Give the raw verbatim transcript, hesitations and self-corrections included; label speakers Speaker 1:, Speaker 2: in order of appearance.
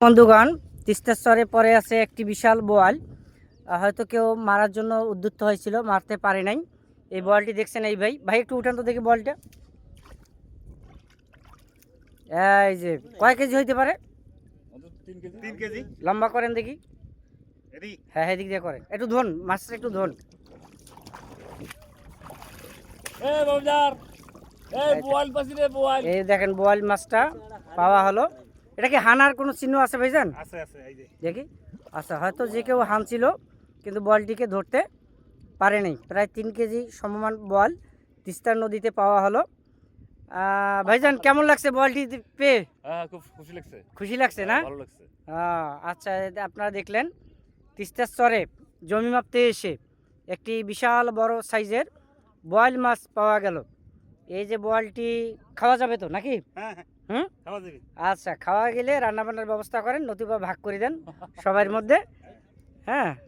Speaker 1: বন্ধুগণ, তিস্তার চরে পরে আছে একটি বিশাল বোয়াল। হয়তো কেউ মারার জন্য উদ্যুত হয়েছিল, মারতে পারে নাই। এই বোয়ালটি দেখছেন এই ভাই ভাই একটু উঠান তো দেখি বলটা। এই যে কয় কেজি হইতে পারে?
Speaker 2: তিন কেজি।
Speaker 1: লম্বা করেন দেখি।
Speaker 2: এদিক
Speaker 1: হ্যাঁ হ্যাঁ দিক দিয়ে করেন, একটু ধন মাছটা একটু ধন।
Speaker 2: এই বাবজার এই বোয়াল পাছি রে বোয়াল।
Speaker 1: এই দেখেন বোয়াল মাছটা পাওয়া হলো। এটা কি হানার কোনো চিহ্ন আছে ভাইজান?
Speaker 2: আছে আছে এই যে
Speaker 1: দেখি। আচ্ছা, হয়তো যে কেউ হানছিল কিন্তু বলটিকে ধরতে পারে নাই। প্রায় তিন কেজি সমমান বল তিস্তার নদীতে পাওয়া হলো। আহ, ভাইজান কেমন লাগছে বলটি পেয়ে?
Speaker 2: হ্যাঁ খুব খুশি লাগছে।
Speaker 1: খুশি লাগছে না?
Speaker 2: ভালো লাগছে।
Speaker 1: আহ, আচ্ছা, এই যে আপনারা দেখলেন তিস্তার চরে জমি মাপতে এসে একটি বিশাল বড় সাইজের বোয়াল মাছ পাওয়া গেল। এই যে বোয়ালটি খাওয়া যাবে তো নাকি?
Speaker 2: হ্যাঁ হ্যাঁ
Speaker 1: হুম,
Speaker 2: খাওয়া যাবে।
Speaker 1: আচ্ছা, খাওয়া গেলে রান্না বান্নার ব্যবস্থা করেন, নতুবা ভাগ করে দেন সবার মধ্যে। হ্যাঁ।